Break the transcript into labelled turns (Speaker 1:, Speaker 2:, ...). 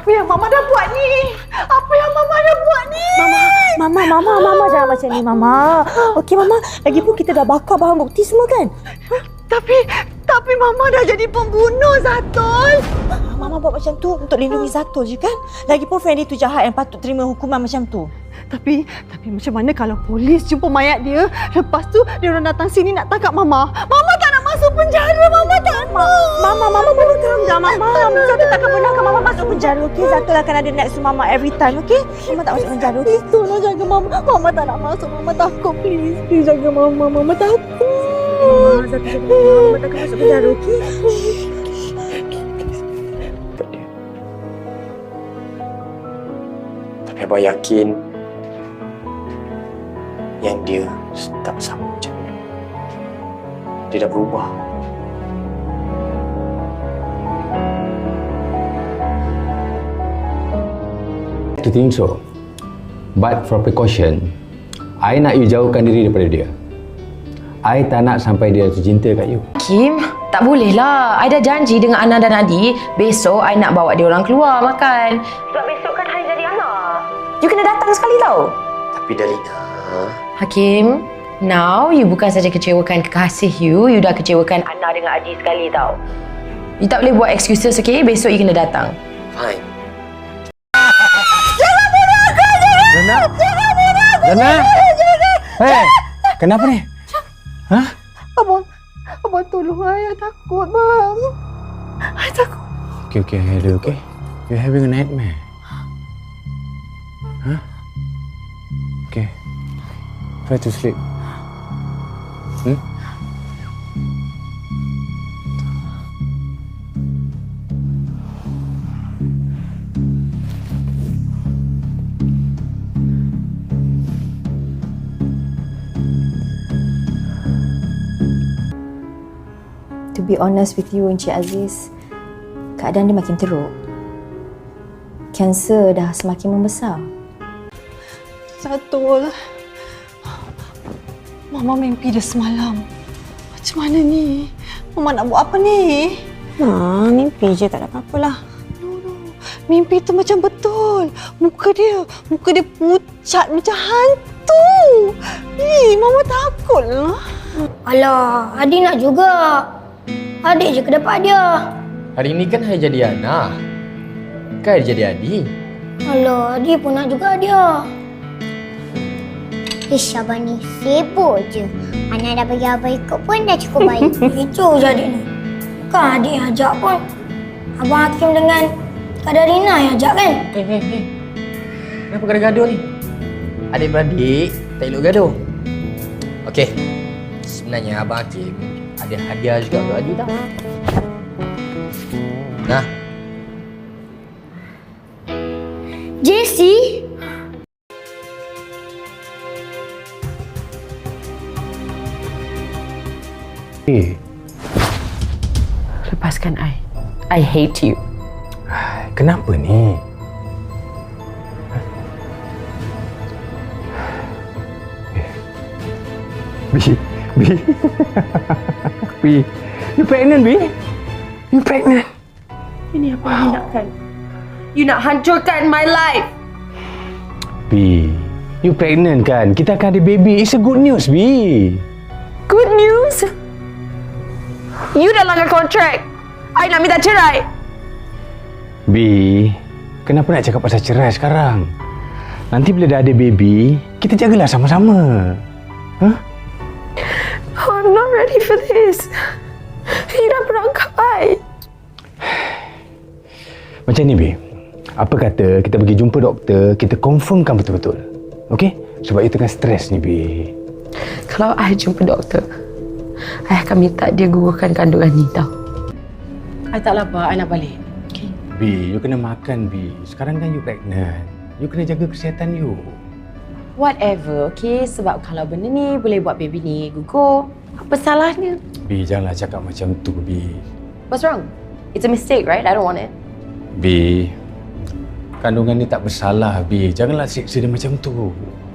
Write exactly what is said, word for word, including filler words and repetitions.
Speaker 1: Apa yang Mama dah buat ni? Apa yang Mama dah buat ni?
Speaker 2: Mama, Mama, Mama, Mama jangan macam ni, Mama. Okey, Mama. Lagipun kita dah bakar barang bukti semua kan?
Speaker 1: Tapi, tapi Mama dah jadi pembunuh, Zatul.
Speaker 2: Mama buat macam tu untuk lindungi Zatul je kan? Lagipun Fendi tu jahat yang patut terima hukuman macam tu.
Speaker 1: Tapi, tapi macam mana kalau polis jumpa mayat dia, lepas tu dia orang datang sini nak tangkap Mama? Mama tak nak masuk penjara, Mama tak nak.
Speaker 2: Mama, Mama, Mama calm down, Mama. Zatul takkan benarkan Mama masuk penjara, okey? Zatul akan ada next to Mama every time, okey? Mama tak masuk penjara, okey?
Speaker 1: Tolong jaga Mama. Mama tak nak masuk. Mama takut, please. Please jaga Mama. Mama takut.
Speaker 2: Mama, Zatul jaga Mama. Mama takkan masuk penjara, okey?
Speaker 3: Tapi Abang yakin yang dia tak sama macam ni. Dia dah berubah.
Speaker 4: To think so. But for precaution, I nak you jauhkan diri daripada dia. I tak nak sampai dia jatuh cinta kat you.
Speaker 5: Kim, tak boleh lah. I dah janji dengan Ana dan Adi, besok I nak bawa dia orang keluar makan. Sebab besok kan hari jadi Ana. You kena datang sekali tau.
Speaker 3: Tapi Dalina...
Speaker 5: Hakim, now you bukan saja kecewakan kekasih you, you dah kecewakan Ana dengan Adi sekali tau. You tak boleh buat excuses, okay? Besok you kena datang.
Speaker 3: Fine.
Speaker 1: Jangan bunuh aku!
Speaker 4: Dana?
Speaker 1: Jangan bunuh aku!
Speaker 4: Dana?
Speaker 1: Jangan!
Speaker 4: Hei, kenapa ni? Hah?
Speaker 1: Abang, Abang tolong ayah takut, bang. Ayah takut.
Speaker 4: Okay, okay, Heather, okay? You're having a nightmare. Huh? Okay. Try to sleep. Hmm?
Speaker 6: To be honest with you, Encik Aziz, keadaan dia makin teruk. Kanser dah semakin membesar.
Speaker 1: Zatul. Mama mimpi dia semalam. Macam mana ni? Mama nak buat apa ni?
Speaker 2: Ha, mimpi je, tak ada apa-apalah.
Speaker 1: No, no. Mimpi tu macam betul. Muka dia, muka dia pucat macam hantu. Ih, Mama takutlah.
Speaker 7: Alah, Adi nak juga. Adik je ke dapat dia.
Speaker 3: Hari ni kan hari jadi Ana. Kan hari jadi Adi.
Speaker 7: Alah, Adi pun nak juga dia. Ish, abang ni sibuk je. Ana dah bagi abang ikut pun dah cukup baik. Itu je adik ni. Kan adik yang ajak pun. Abang Hakim dengan Kak Darina yang ajak kan?
Speaker 3: Eh, eh, eh. Kenapa gaduh-gaduh ni? Adik-beradik tak elok gaduh. Okey. Sebenarnya Abang Hakim ada hadiah juga untuk Adi tau. Nah.
Speaker 7: Jessie?
Speaker 4: Eh,
Speaker 5: Lepaskan I. I hate you.
Speaker 4: kenapa ni? Bi, Bi. Bi, you pregnant, Bi? You pregnant?
Speaker 5: Ini apa yang you nakkan? You nak hancurkan my life.
Speaker 4: Bi, you pregnant kan? Kita akan ada baby. It's a good news, Bi.
Speaker 5: Good news? You dah langgar kontrak. I nak minta cerai.
Speaker 4: Bi, kenapa nak cakap pasal cerai sekarang? Nanti bila dah ada baby, kita jagalah sama-sama. Huh?
Speaker 5: Oh, I'm not ready for this. You dah perangkap I.
Speaker 4: Macam ni, Bi. Apa kata kita pergi jumpa doktor, kita confirmkan betul-betul. Okey? Sebab you tengah stres ni, Bi.
Speaker 5: Kalau I jumpa doktor, I akan minta dia gugurkan kandungan ni tau. I tak lapar, I nak balik. Okay?
Speaker 4: Bi, you kena makan, Bi. Sekarang kan you pregnant. You kena jaga kesihatan you.
Speaker 5: Whatever, okay? Sebab kalau benda ni boleh buat baby ni gugur, apa salahnya?
Speaker 4: Bi, janganlah cakap macam tu, Bi.
Speaker 5: What's wrong? It's a mistake, right? I don't want it.
Speaker 4: Bi, kandungan ni tak bersalah, Bi. Janganlah siksa dia macam tu.